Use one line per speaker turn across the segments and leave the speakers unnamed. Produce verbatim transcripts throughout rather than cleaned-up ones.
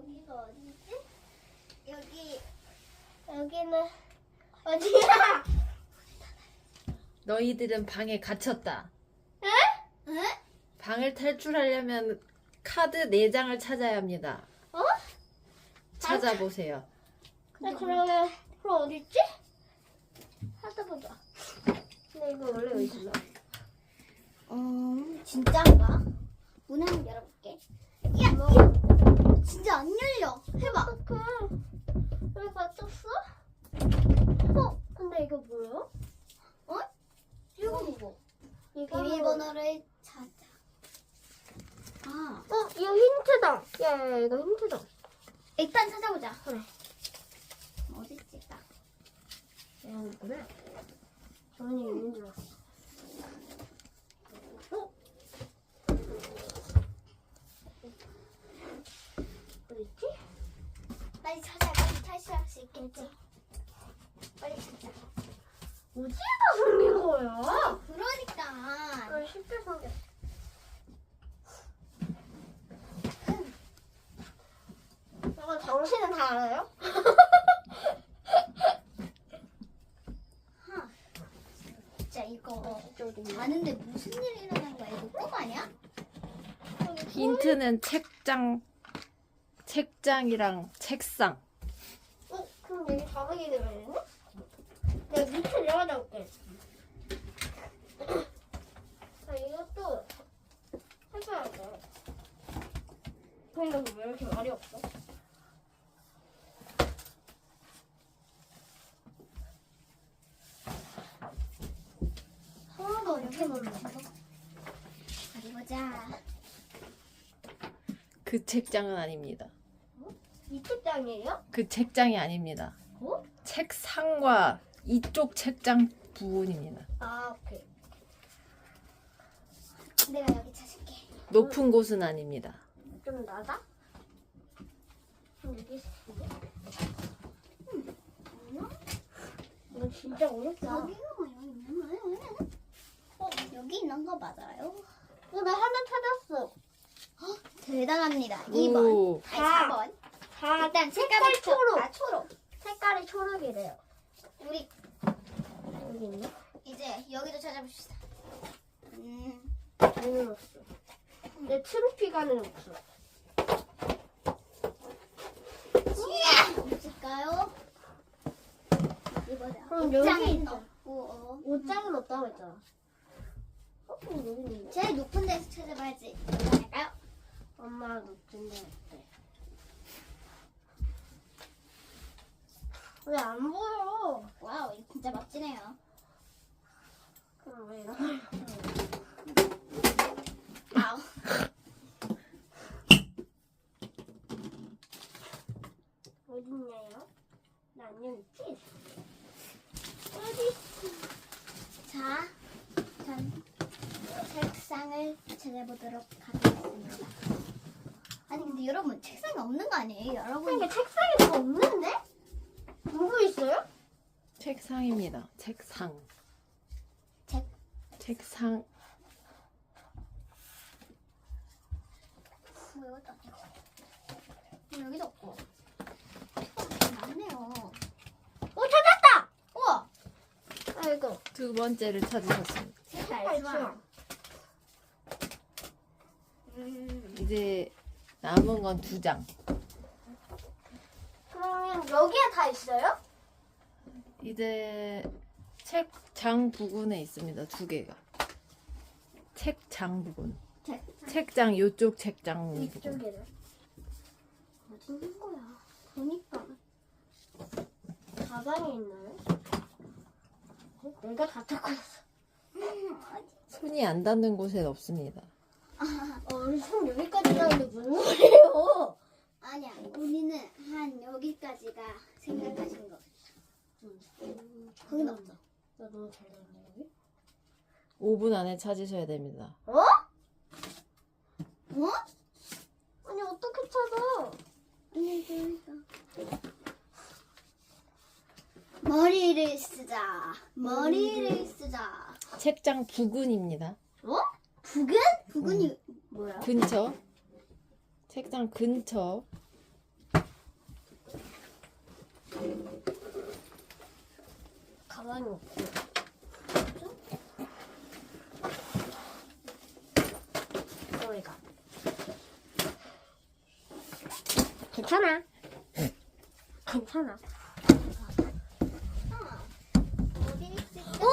여기가 어디지? 여기 여기는 어디야?
너희들은 방에 갇혔다.
에? 에?
방을 탈출하려면 카드 네 장을 찾아야 합니다.
어?
찾아보세요.
근데 그러면 그럼 어디 있지? 찾아보자. 근데 이거 원래 왜 있나? 어, 진짜인가? 문 한번 열어볼게. 야, 야, 진짜 안 열려. 해봐. 어떡해. 왜 갇혔어? 어, 근데 이거 뭐야? 어? 이거 뭐? 비밀번호를 찾아. 아, 어, 이거 힌트다. 야, 야, 이거 힌트다. 일단 찾아보자. 그래. 어디 있을까? 여기 있구나. 정은이 있는 줄 알았어. 어? 어디 있지? 빨리 찾아. 빨리 탈출할 수 있겠지? 빨리 찾자. 어디에다 숨긴 거야? 그러니까. 왜 쉽게 숨겼어? 이거 당신은 다 알아요? 진짜 이거 아는데 무슨 일이 일어난 거야? 이거 꿈 아니야?
힌트는 책장, 책장이랑 책상.
어? 그럼 여기 다르게 되겠네? 내가 밑에 내려가다 올게. 아, 이것도 해봐야 돼. 근데 왜 이렇게 말이 없어? 하나도 이렇게 모르겠어. 어디 보자.
그 책장은 아닙니다.
이 책장이에요?
그 책장이 아닙니다.
어?
책상과 이쪽 책장 부분입니다.
아, 오케이. 내가 여기 찾을게.
높은 곳은 아닙니다.
좀 낮아? 좀 여기 있어. 음, 이거 진짜 어렵다. 여기가 뭐 여기 있는 거예요? 어, 여기 있는 거 맞아요? 어, 나 하나 찾았어. 헉, 대단합니다. 이 번.
오.
아니, 사 번. 다 일단 색깔이 초록. 아, 초록. 색깔이 초록이래요. 우리 여기 있나? 이제 여기도 찾아봅시다. 음. 아니는 없어. 내 트로피가는 없어. 없을까요? 이거다. 그럼 여기 있어. 옷장은 없다고 했잖아. 어, 그럼 여기 있는데? 제일 높은 데서 찾아봐야지. 할까요? 엄마가 높은 데 어때? 왜 안 보여? 와우, 이거 진짜 멋지네요. 그럼 왜 이런 걸? 아우. 어딨냐요? 나 안녕 있지? 어디? 자, 전 책상을 찾아보도록 하겠습니다. 아니 근데 여러분 책상이 없는 거 아니에요? 여러분 이게 책상이 다 없는데? 누구 있어요?
책상입니다. 책상.
책
책상.
뭐 여기도 없고 여기도 없고 어, 많네요. 오 찾았다! 우와! 아이고
두 번째를 찾으셨습니다.
색깔 좋아. 음,
이제 남은 건 두 장.
그러면 여기에 다 있어요?
이제 책장 부분에 있습니다. 두 개가. 책장 부분.
책
책장 요쪽 책장 부분.
이쪽에는 어디 있는 거야? 보니까 가방에 있나요? 어? 내가 다 찾고 있어.
손이 안 닿는 곳엔 없습니다.
어, 우리 손 여기까지 나는데 무슨 소리예요? 아니야, 우리는 한 여기까지가 생각하신 거. 응. 거긴 없어. 나 너무 잘 나왔네 여기.
오 분 안에 찾으셔야 됩니다.
어? 어? 아니 어떻게 찾아? 아니 그러니까. 머리를 쓰자. 머리를 쓰자.
책장 부근입니다.
어? 부근? 부근이 뭐야?
근처. 책장 근처.
가만히 없고. 소리가. 괜찮아. 괜찮아. 어디냐고?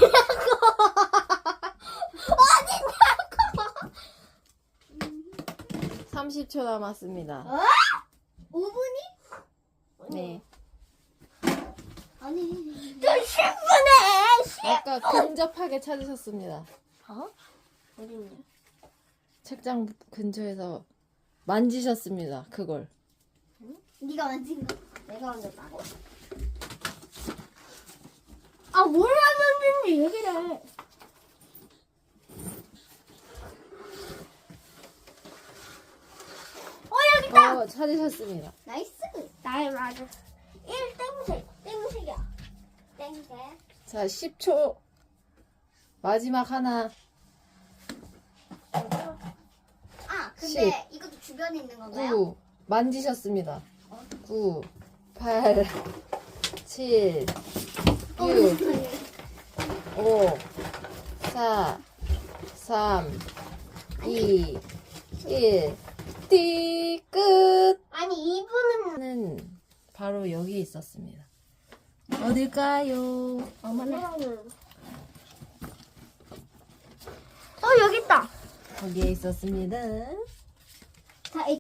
어디냐고?
삼십 초 남았습니다.
어? 오 분이?
네.
아니. 저 십 분에!
아까 근접하게 찾으셨습니다.
어? 어딨냐?
책장 근처에서 만지셨습니다. 그걸.
응? 네가 만진 거? 내가 만졌다고? 아, 뭘 만졌는지 얘기를 해. 어, 여기 있다!
어, 찾으셨습니다.
나이스. 나의 맞아. 일 땡색. 땡색이야. 땡색.
자, 십 초. 마지막 하나.
아, 근데 이것도 주변에 있는 건가요?
구. 만지셨습니다. 구, 팔, 칠, 육, 오, 사, 삼, 이, 일. 띠, 끝!
아니, 이분은.
는 바로 여기 있었습니다. 어딜까요?
어머나. 어, 여기 있다.
거기에 있었습니다.
자,